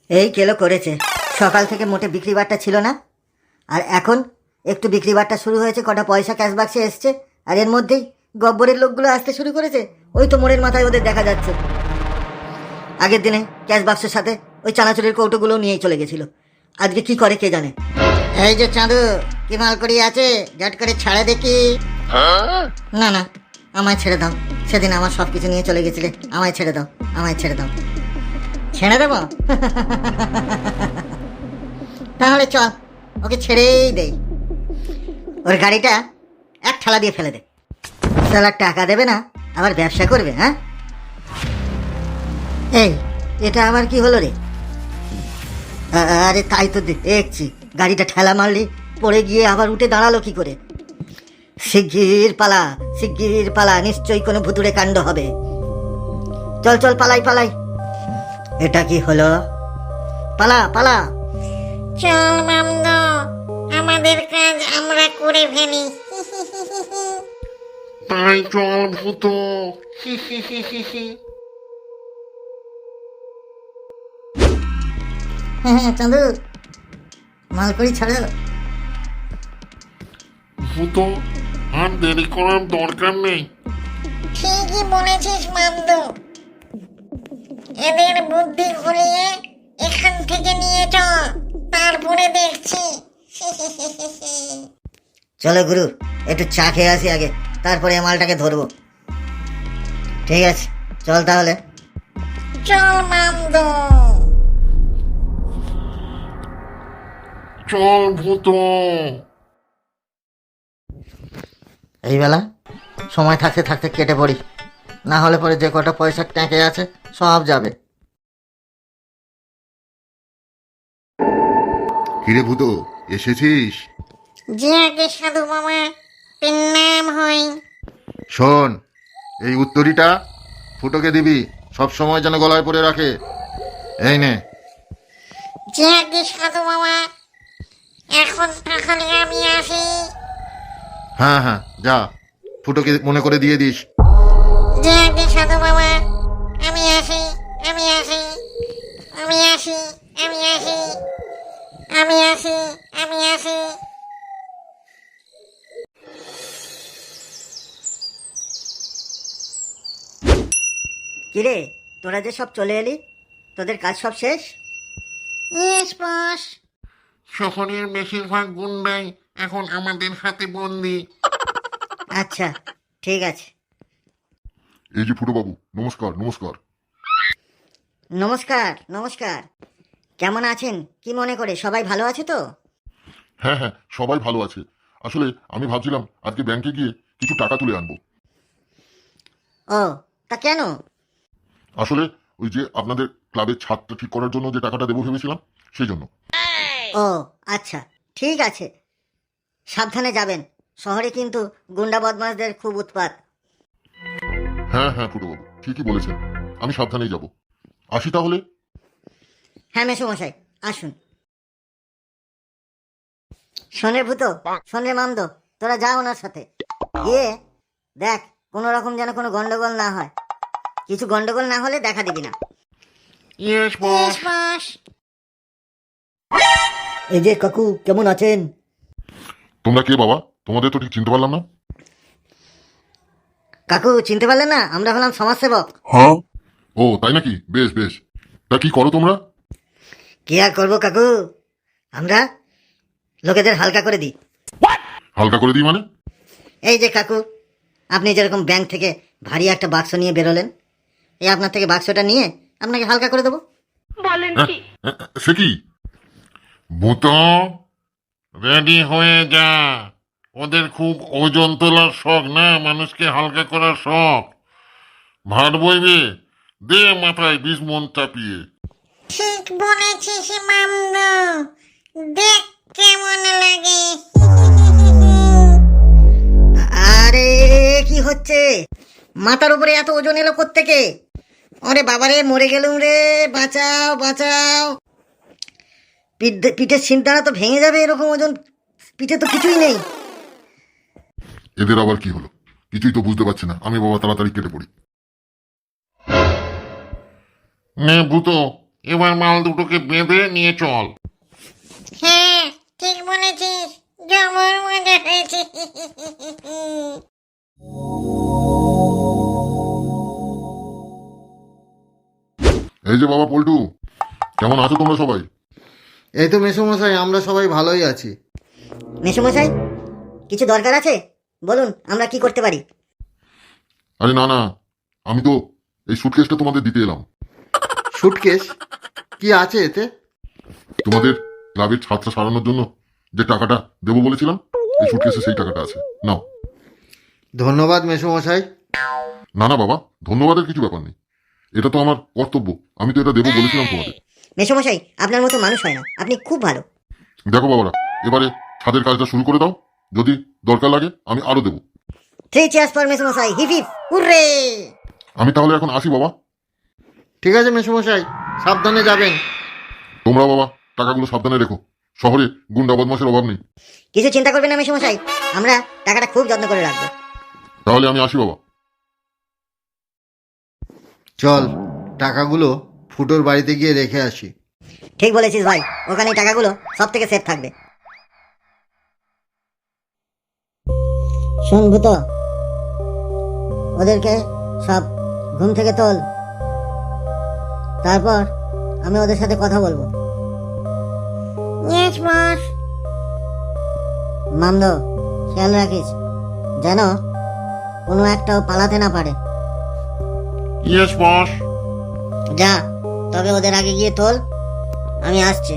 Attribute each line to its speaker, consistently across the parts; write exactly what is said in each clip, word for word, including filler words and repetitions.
Speaker 1: এই কেলো করেছে। সকাল থেকে মোটে বিক্রি বাট্টা ছিল না, আর এখন একটু বিক্রি বাট্টা শুরু হয়েছে, কটা পয়সা ক্যাশ বাক্সে এসছে, আর এর মধ্যেই গব্বরের লোকগুলো আসতে শুরু করেছে। ওই তো মোড়ের মাথায় ওদের দেখা যাচ্ছে। আগের দিনে ক্যাশ বাক্সের সাথে ওই চানাচুরের কৌটোগুলো নিয়েই চলে গেছিল। আজকে কি করে কে জানে। এই যে চাঁদু, কি মাল করি আছে, ঝট করে ছাড়ে দেখি। না না, আমায় ছেড়ে দাও। সেদিন আমার সব কিছু নিয়ে চলে গেছিলে, আমায় ছেড়ে দাও, আমায় ছেড়ে দাও। ছেড়ে দেবো? তাহলে চল, ওকে ছেড়েই দেই। ওর গাড়িটা এক ঠালা দিয়ে ফেলে দে। সালা টাকা দেবে না, আবার ব্যবসা করবে। হ্যাঁ, এই এটা আবার কি হলো রে? আরে তাই তো দেখছি, গাড়িটা ঠেলা মারলি, পড়ে গিয়ে আবার উঠে দাঁড়ালো কি করে? শিগগির পালা, শিগগির পালা, নিশ্চয়ই কোনো ভুতুড়ে কাণ্ড হবে। চল চল, পালাই পালাই। এটা কি হলো? পালা পালা।
Speaker 2: চল মামদ, আমাদের কাজ আমরা করে ফেলি।
Speaker 3: তাই চল ভূত।
Speaker 1: হ্যাঁ হ্যাঁ চাঁদু, মাল করি ছাড়ো।
Speaker 3: ভূত, আর দেরি করার দরকার নেই।
Speaker 2: ঠিকই বলেছিস মামদ, এদের বুদ্ধি ঘুরিয়ে এখান থেকে নিয়ে চল, তারপরে দেখছি।
Speaker 1: চলো গুরু, একটু চা খেয়ে আসি আগে, তারপরে মালটাকে ধরবো। ঠিক আছে, চল তাহলে।
Speaker 2: চল মামদ।
Speaker 3: চল ভূত।
Speaker 1: এই বেলা সময় থাকতে থাকতে কেটে পড়ি, না হলে পরে যে কটা পয়সা ট্যাঁকে আছে সব যাবে।
Speaker 4: কিরে ভূত, এসেছিস?
Speaker 2: যে আগে সাধু মামা, প্রণাম হই।
Speaker 4: শোন, এই উত্তরীটা ফুটোকে দিবি, সব সময় যেন গলায় পরে রাখে। এই নে।
Speaker 2: যে আগে সাধু মামা, এখন তাহলে আমি আসি।
Speaker 4: হ্যাঁ হ্যাঁ, যা, ফুটোকে মনে করে দিয়ে দিস।
Speaker 2: যে আগে সাধু মামা, আমি আসি, আমি আসি, আমি আসি, আমি আসি, আমি আসি, আমি আসি।
Speaker 1: কিরে, তোরা যে সব চলে এলি, তোদের কাজ সব শেষ?
Speaker 2: Yes boss.
Speaker 3: শহরের বেশিরভাগ গুন্ডাই এখন আমাদের হাতে বন্দি।
Speaker 1: আচ্ছা, ঠিক আছে।
Speaker 4: এই যে ফুটো বাবু, নমস্কার নমস্কার।
Speaker 1: নমস্কার নমস্কার। কেমন আছেন? কি মনে করে, সবাই ভালো আছে তো?
Speaker 4: হ্যাঁ হ্যাঁ, সবাই ভালো আছে। আসলে আমি ভাবছিলাম আজকে ব্যাংকে গিয়ে কিছু টাকা তুলে আনবো।
Speaker 1: ও, তা কেন?
Speaker 4: আসলে ওই যে আপনাদের ক্লাবের ছাদটা ঠিক করার জন্য যে টাকাটা দেবো ভেবেছিলাম, সেই জন্য।
Speaker 1: ও আচ্ছা, ঠিক আছে। সাবধানে যাবেন, শহরে কিন্তু গুন্ডা বদমাশদের খুব উৎপাত।
Speaker 4: হ্যাঁ হ্যাঁ ফুটো বাবু, ঠিকই বলেছেন, আমি সাবধানেই যাব। আসি তাহলে।
Speaker 1: হ্যাঁ মেসোমশাই, আসুন। শোনে ভূত, শোনে মামদ, তোরা যা ওনার সাথে গিয়ে দেখ কোনো রকম যেন কোনো গন্ডগোল না হয়। কিছু গন্ডগোল না হলে দেখা দিবি না।
Speaker 3: Yes boss.
Speaker 2: Yes boss.
Speaker 1: এই যে কাকু, কেমন আছেন?
Speaker 4: তোমরা কে বাবা? তোমাদের তো ঠিক চিনতে পারলাম না।
Speaker 1: কাকু চিনতে পারলেন না? আমরা হলাম সমাজসেবক।
Speaker 4: হ্যাঁ, ও তাই নাকি? বেশ বেশ। তা কি করো তোমরা?
Speaker 1: কি আর করবো কাকু, আমরা লোকেদের হালকা করে দিই।
Speaker 4: হালকা করে দিই মানে?
Speaker 1: এই যে কাকু, আপনি যেরকম ব্যাংক থেকে ভারী একটা বাক্স নিয়ে বেরোলেন, এই আপনার থেকে বাক্সটা নিয়ে আপনাকে হালকা করে দেবো।
Speaker 4: এ, সে কি?
Speaker 3: ভূত, রেডি হয়ে যা। ওদের খুব ওজন তোলার শখ না, মানুষকে হালকা করার শখ। ভার বইবে, দে মাথায় বিষ মন চাপিয়ে।
Speaker 2: ঠিক বলেছিস মামদ, দেখ কেমন লাগে।
Speaker 1: আরে কি হচ্ছে? মাথার উপরে এত ওজন এলো কোত্থেকে? ওরে বাবারে, মরে গেলুম রে, বাঁচাও বাঁচাও। পিঠ পিঠের সিনটানা তো ভেঙে যাবে, এরকম ওজন পিঠে তো কিছুই নেই।
Speaker 4: এদের আবার কি হলো? কিছুই তো বুঝতে পারছি না আমি বাবা, তাড়াতাড়ি কেটে পড়ি।
Speaker 3: নে ভূত, এবার মাল দুটোকে বেঁধে নিয়ে চল।
Speaker 2: হ্যাঁ ঠিক বলেছিস, জবর মজা হয়েছে।
Speaker 4: এই যে বাবা পল্টু, কেমন আছো তোমরা সবাই?
Speaker 5: এই তো মেসোমশাই, আমরা সবাই ভালোই আছি।
Speaker 1: মেসোমশাই, কিছু দরকার আছে? বলুন, আমরা কি করতে পারি?
Speaker 4: আরে না না, আমি তো এই সুটকেসটা তোমাদের দিতে এলাম।
Speaker 5: সুটকেস? কি আছে এতে?
Speaker 4: তোমাদের ক্লাবের ছাত্রা সারানোর জন্য যে টাকাটা দেবো বলেছিলাম, এই সুটকেসে সেই টাকাটা আছে, নাও।
Speaker 5: ধন্যবাদ মেসোমশাই।
Speaker 4: না না বাবা, ধন্যবাদের কিছু ব্যাপার নেই, এটা তো আমার কর্তব্য, আমি তো এটা দেবো বলেছিলাম তোমাদের।
Speaker 1: মেসোমশাই, আপনার মতো মানুষ হয় না, আপনি খুব ভালো।
Speaker 4: দেখো বাবারা, এবারে ছাদের কাজটা শুরু করে দাও, যদি দরকার লাগে আমি আরো দেবো।
Speaker 1: থ্রি চেয়ার্স ফর মেসোমশাই, হিপ হিপ হুররে!
Speaker 4: আমি তাহলে এখন আসি বাবা।
Speaker 5: ঠিক আছে মেসোমশাই, সাবধানে যাবেন।
Speaker 4: তোমরা বাবা টাকাগুলো সাবধানে রেখো, শহরে গুন্ডা বদমাশের অভাব নেই।
Speaker 1: কিছু চিন্তা করবেন না মেসোমশাই, আমরা টাকাটা খুব যত্ন করে রাখবো।
Speaker 4: তাহলে আমি আসি বাবা।
Speaker 5: চল, টাকাগুলো ফুটোর বাড়িতে গিয়ে রেখে আসি।
Speaker 1: ঠিক বলেছিস ভাই, ওখানে টাকাগুলো সব থেকে সেফ থাকবে। শোন ভূত, ওদেরকে সব ঘুম থেকে তোল, তারপর আমি ওদের সাথে কথা বলবো।
Speaker 2: Yes boss.
Speaker 1: মামদো, খেয়াল রাখিস যেন কোনো একটাও পালাতে না পারে।
Speaker 3: Yes boss.
Speaker 1: যা, তবে ওদের আগে গিয়ে তোল, আমি আসছি।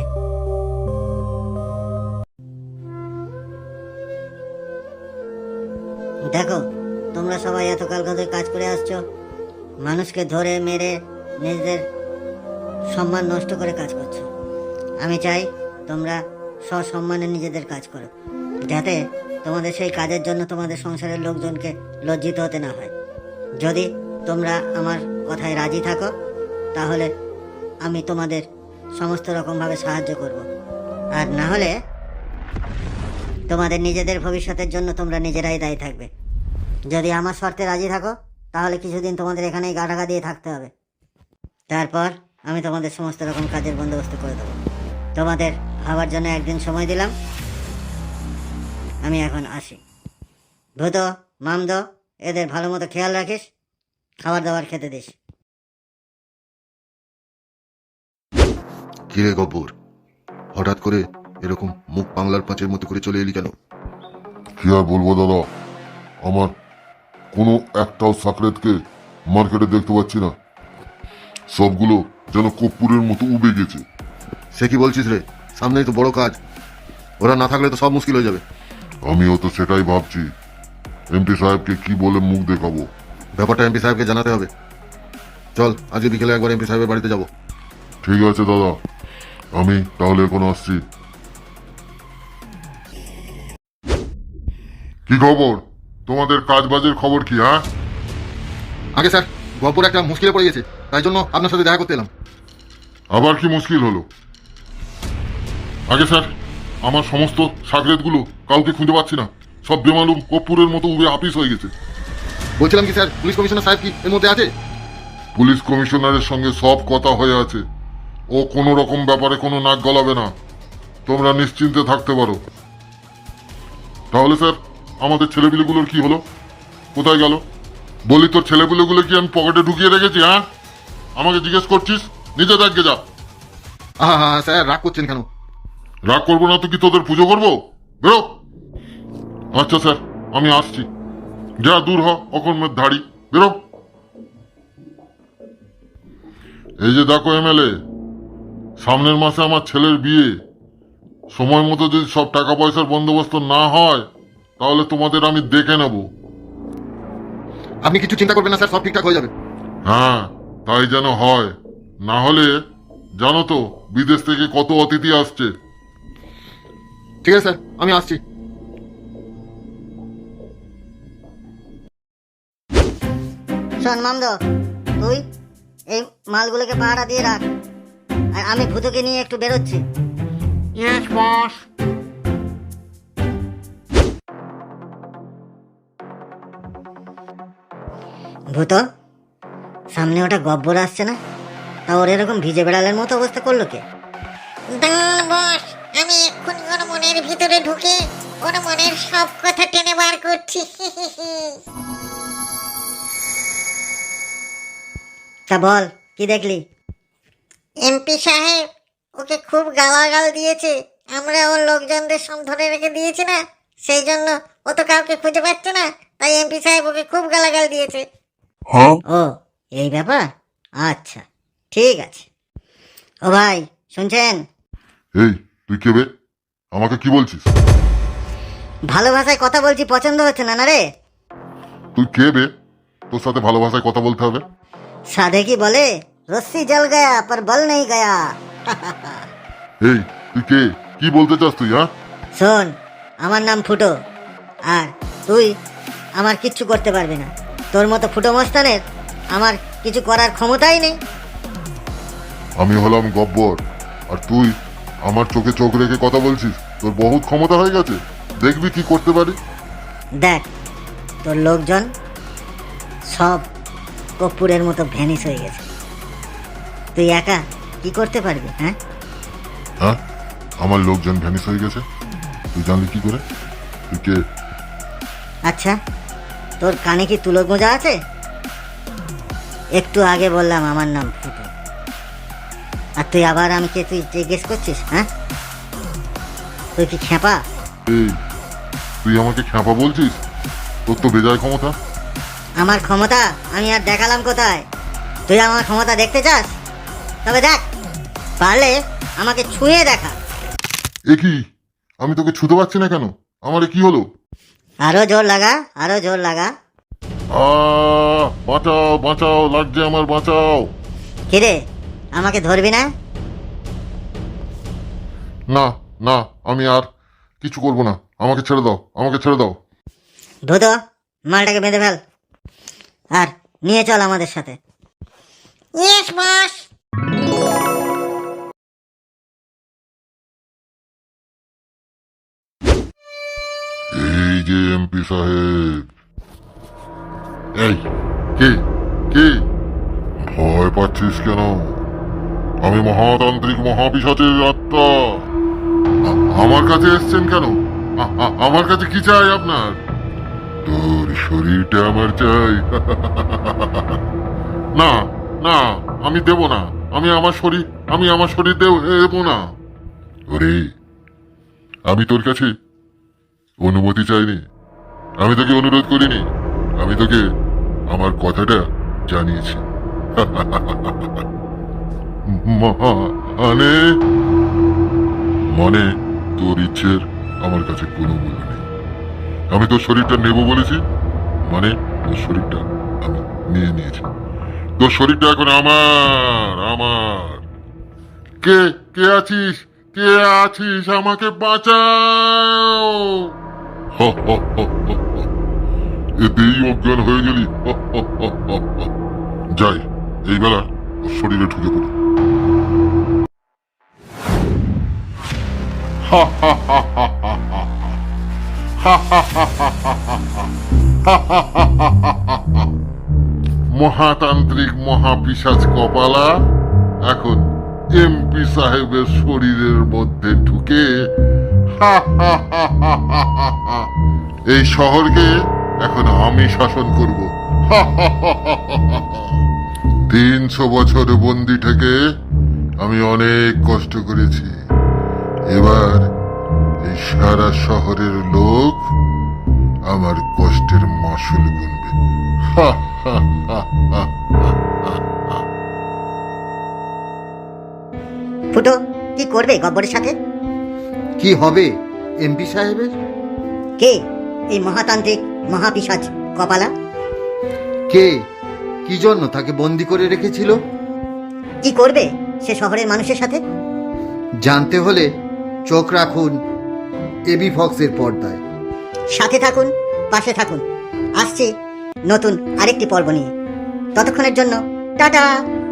Speaker 1: দেখো, তোমরা সবাই এতকাল ধরে কাজ করে আসছো, মানুষকে ধরে মেরে নিজেদের সম্মান নষ্ট করে কাজ করছো। আমি চাই তোমরা সসম্মানে নিজেদের কাজ করো, যাতে তোমাদের সেই কাজের জন্য তোমাদের সংসারের লোকজনকে লজ্জিত হতে না হয়। যদি তোমরা আমার কথায় রাজি থাকো, তাহলে আমি তোমাদের সমস্ত রকমভাবে সাহায্য করব, আর না হলে তোমাদের নিজেদের ভবিষ্যতের জন্য তোমরা নিজেরাই দায়ী থাকবে। যদি আমার শর্তে রাজি থাকো, তাহলে কিছুদিন তোমাদের এখানেই গা ঢাকা দিয়ে থাকতে হবে, তারপর আমি তোমাদের সমস্ত রকম কাজের বন্দোবস্ত করে দেবো। তোমাদের ভাবার জন্য একদিন সময় দিলাম, আমি এখন আসি। ভূত, মামদ, এদের ভালো মতো খেয়াল রাখিস, খাবার দাবার খেতে দিস।
Speaker 4: কিরে গব্বর, হঠাৎ করে এরকম মুখ বাংলার পাঁচের মতো করে চলে এলি কেন?
Speaker 6: কি আর বলবো দাদা, আমার কোনো একটাও সাকরেতকে মার্কেটে দেখতে পাচ্ছি না, সবগুলো যেন কর্পূরের মতো উবে গেছে।
Speaker 4: সে কি বলছিস রে? সামনেই তো বড় কাজ, ওরা না থাকলে তো সব মুশকিল হয়ে যাবে।
Speaker 6: আমিও তো সেটাই ভাবছি, এমপি সাহেবকে কি বলে মুখ দেখাবো।
Speaker 4: ব্যাপারটা এমপি সাহেবকে জানাতে হবে। চল আজকে বিকেলে একবার এমপি সাহেবের বাড়িতে যাব।
Speaker 6: ঠিক আছে দাদা, আমি তাহলে এখন আসছি। কি খবর তোমাদের, কাজ বাজের খবর কি? হ্যাঁ
Speaker 4: আগে স্যার, গব্বর একটা মুশকিলে পড়ে গেছে, তাই জন্য আপনার সাথে দেখা করতে এলাম।
Speaker 6: আবার কি মুশকিল হলো? আগে স্যার, আমার সমস্ত সাগরেদগুলো কাউকে খুঁজে পাচ্ছি না, সব বেমালুম কর্পূরের মতো উবে আপিস হয়ে গেছে।
Speaker 4: বলছিলাম কি স্যার, পুলিশ কমিশনার সাহেব কি এর মধ্যে আছে?
Speaker 6: পুলিশ কমিশনারের সঙ্গে সব কথা হয়ে আছে, ও কোনো রকম ব্যাপারে কোনো নাক গলাবে না, তোমরা নিশ্চিন্তে থাকতে পারো। তাহলে স্যার, আমাদের ছেলেপিলেগুলোর কি হলো, কোথায় গেল? বলি তোর ছেলেপিলেগুলো কি আমি পকেটে ঢুকিয়ে রেখেছি? হ্যাঁ, আমাকে জিজ্ঞেস করছিস? নিজে দেখে যা।
Speaker 4: হ্যাঁ হ্যাঁ স্যার, রাগ করছেন কেন?
Speaker 6: রাগ করবো না তো কি তোদের পুজো করবো? বেরো। আচ্ছা স্যার, আমি আসছি, যা দূর হ অকর্মের ধাড়ি, বেরো। এই যে দেখো এমএলএ, সামনের মাসে আমার ছেলের বিয়ে, সময় মতো যদি সব টাকা পয়সার বন্দোবস্ত না হয়, তাহলে তোমাদের আমি দেখে নেব।
Speaker 4: আপনি কিছু চিন্তা করবেন না স্যার, সব ঠিকঠাক হয়ে যাবে।
Speaker 6: হ্যাঁ, তাই যেন হয়, না হলে জানো তো বিদেশ থেকে কত অতিথি আসছে।
Speaker 4: ঠিক আছে স্যার, আমি আসছি।
Speaker 1: শোন মামদ, তুই এই মালগুলোকে পাহারা দিয়ে রাখ, আর আমি ভূতকে নিয়ে একটু বেরোচ্ছি।
Speaker 3: Yes boss.
Speaker 1: ভূত, সামনে ওটা গব্বর আসছে না? তা ওর এরকম ভিজে বেড়ালের মতো অবস্থা করলো কে?
Speaker 2: দাঁড়ান বস, আমি এক্ষুনি ওর মনের ভিতরে ঢুকে ওর মনের সব কথা টেনে বার করছি।
Speaker 1: তা বল, কি দেখলি?
Speaker 2: এমপি সাহেব ওকে খুব গালাগাল দিয়েছে। আমরা ওর লোকজনদের সব ধরে রেখে দিয়েছি না, সেই জন্য ও তো কাউকে খুঁজে পাচ্ছে না, তাই এমপি সাহেব ওকে খুব গালাগাল দিয়েছে।
Speaker 1: ও এই ব্যাপার, আচ্ছা ঠিক আছে। ও ভাই শুনছেন?
Speaker 6: এই তুই কে বে? আমাকে কি বলছিস?
Speaker 1: ভালো ভাষায় কথা বলছি, পছন্দ হচ্ছে না না রে?
Speaker 6: তুই কে বে? তোর সাথে ভালো ভাষায় কথা বলতে হবে?
Speaker 1: সাধে কি বলে, রস্সি জল গয়া পর বল নেই গয়া।
Speaker 6: এই তুই কে? কি বলতে চাস তুই? হ্যাঁ,
Speaker 1: শোন, আমার নাম ফুটো, আর তুই আমার কিচ্ছু করতে পারবি না। তোর মতো ফুটো মস্তানের আমার কিছু করার ক্ষমতাই নেই।
Speaker 6: আমি হলাম গব্বর, আর তুই আমার চোখে চোখ রেখে কথা বলছিস? তোর বহুত ক্ষমতা হয়ে গেছে, দেখবি কি করতে পারি।
Speaker 1: দেখ, তোর লোকজন সব কর্পূরের মতো ভ্যানিশ হয়ে গেছে, তুই একা কি করতে পারবি? হ্যাঁ
Speaker 6: হ্যাঁ, আমার লোকজন ভ্যানিশ হয়ে গেছে, তুই জানলি কি করে? তুই কে?
Speaker 1: আচ্ছা, তোর কানে কি তুলো গোঁজা আছে? একটু আগে বললাম আমার নাম ফুটো, আর তুই আবার আমাকে তুই জিজ্ঞেস করছিস? হ্যাঁ, তুই কি খেপা?
Speaker 6: এই তুই আমাকে খ্যাপা বলছিস? তোর তো বেজায় ক্ষমতা।
Speaker 1: আমার ক্ষমতা আমি আর দেখালাম কোথায়? তুই আমার ক্ষমতা দেখতে চাস? তবে দেখ, পারলে আমাকে ছুঁয়ে দেখা।
Speaker 6: এ কি, আমি তোকে ছুতে পারছি না কেন? আমারে কি হলো?
Speaker 1: আরো জোর লাগা, আরো জোর লাগা।
Speaker 6: আহ, বাঁচাও বাঁচাও, লাগছে আমার, বাঁচাও।
Speaker 1: কিরে, আমাকে ধরবি না?
Speaker 6: না না, আমি আর কিছু করব না, আমাকে ছেড়ে দাও, আমাকে ছেড়ে দাও।
Speaker 1: ধুতো, মালটাকে বেঁধে ফেল, আর নিয়ে চল আমাদের সাথে।
Speaker 2: Yes boss.
Speaker 6: এই যে এমপি সাহেব। এই কে কে? ভয় পাচ্ছিস কেন? আমি মহাতান্ত্রিক মহাপিশাচের আত্মা। আ- আমার কাছে এসছেন কেন? আ- আ- আমার কাছে কি চাই আপনার? তোর শরীরটা আমার চাই। না না, আমি দেব না। আমি আমার শরীর আমি আমার শরীর দেব দেব না। ওরে, আমি তোর কাছে অনুমতি চাইনি, আমি তোকে অনুরোধ করিনি, আমি তোকে আমার কথাটা জানিয়েছি। মানে মানে তোর ইচ্ছের আমার কাছে কোনো মূল্য নেই। আমি তোর শরীরটা নেব বলেছি, মানে তোর শরীরটা আমি নিয়ে নিয়েছি। তোর শরীরটা এখন আমার আমার। কে কে আছিস? কে আছিস? আমাকে বাঁচাও। হ, হ, হ, হ, হ। এতেই অজ্ঞান হয়ে গেলি? হ, হ, হ, হ, হ। যাই, এই বেলা ওর শরীরে ঢুকে পড়ি। হা, হা, হা, হা, হা, হা। হা, হা, হা, হা, হা, হা, হা। হা, হা, হা, হা, হা, হা, হা। মহাতান্ত্রিক মহাপিশাচ কপালা এখন এমপি সাহেবের শরীরের মধ্যে ঢুকে হা, হা, হা, হা, হা, হা, হা। এই শহরকে এখন আমি শাসন করব। হা, হা, হা, হা, হা, হা। তিনশো বছর বন্দি থেকে আমি অনেক কষ্ট করেছি, এবার এই সারা শহরের লোক আমার কষ্টের মাসুল গুনবে। হা, হা, হা, হা, হা, হা।
Speaker 1: ফুটো, কি করবে গব্বরের সাথে?
Speaker 5: কি হবে এমপি সাহেবের?
Speaker 1: কে এই মহাতান্ত্রিক মহাপিশাচ কপালা?
Speaker 5: কে কি জন্য তাকে বন্দি করে রেখেছিল?
Speaker 1: কি করবে সে শহরের মানুষের সাথে?
Speaker 5: জানতে হলে চোখ রাখুন এবি ফক্সের পর্দায়।
Speaker 1: সাথে থাকুন, পাশে থাকুন, আসছে নতুন আরেকটি পর্ব নিয়ে। ততক্ষণের জন্য টাটা।